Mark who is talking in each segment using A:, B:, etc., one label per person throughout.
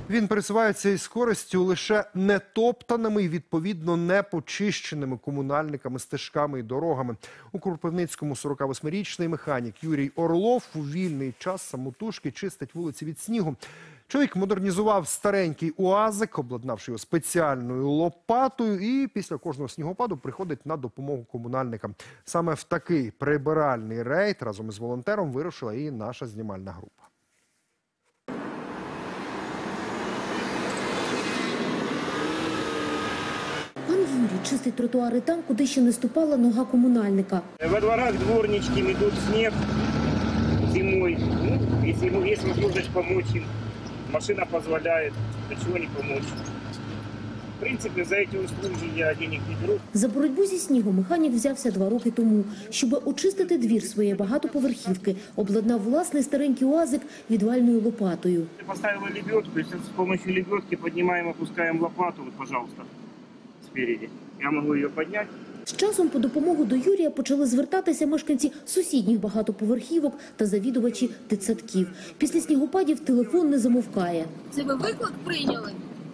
A: Він пересувається із користю лише нетоптаними і, відповідно, не почищеними комунальниками, стежками і дорогами. У Кропивницькому 48-річний механік Юрій Орлов у вільний час самотужки чистить вулиці від снігу. Чоловік модернізував старенький УАЗик, обладнавши його спеціальною лопатою, і після кожного снігопаду приходить на допомогу комунальникам. Саме в такий прибиральний рейд разом із волонтером вирушила і наша знімальна група.
B: Пан Юрій чистить тротуари там, куди ще не ступала нога комунальника.
C: Во дворах дворнички метут снег зимой. Если ему есть возможность помочь им, машина позволяет, до чего не помочь. В принципе, за эти услуги я денег не беру.
B: За боротьбу зі снігом механік взявся 2 роки тому. Щоб очистити двір своєї багатоповерхівки, обладнав власний старенький УАЗик відвальною лопатою.
C: Поставила лебедку, и с помощью лебедки поднимаем, опускаем лопату, вот, пожалуйста, спереди. Я могу ее поднять.
B: З часом по допомогу до Юрія почали звертатися мешканці сусідніх багатоповерхівок та завідувачі дитсадків. Після снігопадів телефон не замовкає.
D: Це ви виклик прийняли?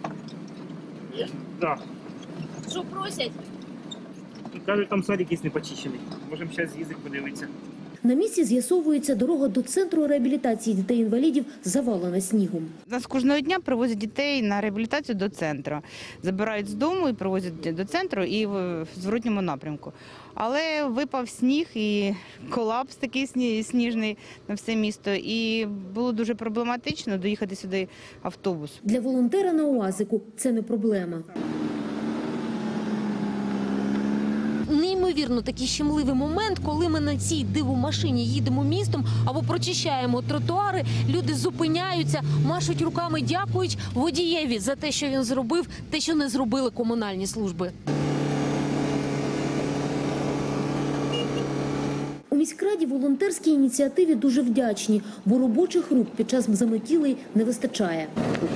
C: Да.
D: Що просять?
C: Кажуть, там садик є не почищений. Можемо зараз з'їздити, подивитися.
B: На місці з'ясовується, дорога до центру реабілітації дітей-інвалідів завалена снігом.
E: Нас кожного дня привозять дітей на реабілітацію до центру. Забирають з дому і привозять до центру і в зворотньому напрямку. Але випав сніг і колапс такий сніжний на все місто. І було дуже проблематично доїхати сюди автобусом.
B: Для волонтера на УАЗику це не проблема.
F: Неймовірно такий щемливий момент, коли ми на цій дивомашині їдемо містом або прочищаємо тротуари, люди зупиняються, машуть руками, дякують водієві за те, що він зробив, те, що не зробили комунальні служби.
B: У міськраді волонтерській ініціативі дуже вдячні, бо робочих рук під час заметілей не вистачає.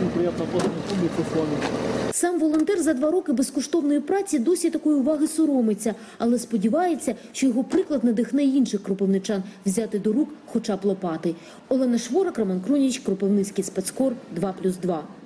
B: Сам волонтер за 2 роки безкоштовної праці досі такої уваги соромиться, але сподівається, що його приклад надихне інших кропивничан взяти до рук хоча б лопати. Олена Шворак, Роман Круніч, Кропивницький спецкор, 2+2.